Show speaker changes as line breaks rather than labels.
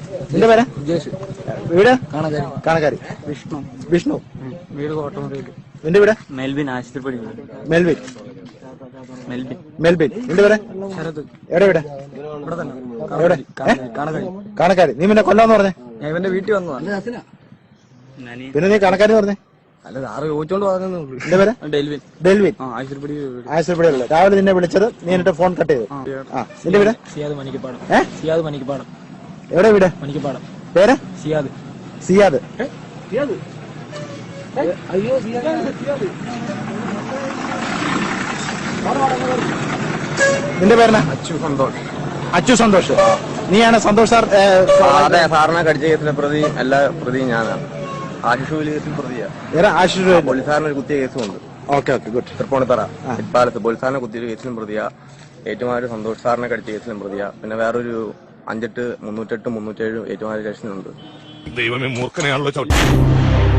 നിന്റെ പേര്? വീട് കാണക്കാരി. വിഷ്ണു.
വീട് കോട്ടമുറിയിൽ.
നിന്റെ വീട്?
മെൽബിൻ ആശുപത്രി.
മെൽവിൻ. നിന്റെ പേര്?
ശരത്.
എവിടെ വീട്? എവിടെ? കാണക്കാരി. നീ പിന്നെ കൊല്ലാന്ന് പറഞ്ഞേ?
ഞാൻ ഇവന്റെ വീട്ടിൽ വന്നതാ.
പിന്നെ നീ കാണക്കാരി പറഞ്ഞേ?
അല്ല സാറ് ചോദിച്ചോണ്ട് പറഞ്ഞു.
നിന്റെ പേര്? ഡെൽവിൻ. ആശുപത്രി. രാവിലെ നിന്നെ വിളിച്ചത്, നീ എന്നിട്ട് ഫോൺ കട്ട് ചെയ്തു. നിന്റെ വീട്?
സിയാദ് മണിക്കപ്പാടം.
എവിടെ വീട്?
മണിക്കപ്പാടം.
പേര്?
സിയാദ്. അയ്യോ
നിന്റെ പേരെന്നാ? അച്ചു സന്തോഷ്. നീയാണ് സന്തോഷ് സാർ?
അതെ, സാറിനെ കടിച്ച കേസിലെ പ്രതി എല്ലാ പ്രതിയും ഞാനാണ്. ആശിഷ് കേസിൽ പ്രതിയാ. പോലീസുകാരന് ഒരു കുത്തിയ കേസുമുണ്ട്.
ഗുഡ്.
തൃപ്പൂണിത്തറ ഇപ്പാലത്ത് പോലീസുകാരനെ കുത്തിയ കേസിലും പ്രതിയാ. ഏറ്റുമാനൂർ സന്തോഷ് സാറിനെ കടിച്ച കേസിലും പ്രതിയാ. പിന്നെ വേറൊരു 58, 308, 307 ഏറ്റുമാനൂർ സ്റ്റേഷനുണ്ട്.
ദൈവമേ, മൂർഖനെയാണല്ലോ ചവിട്ടി.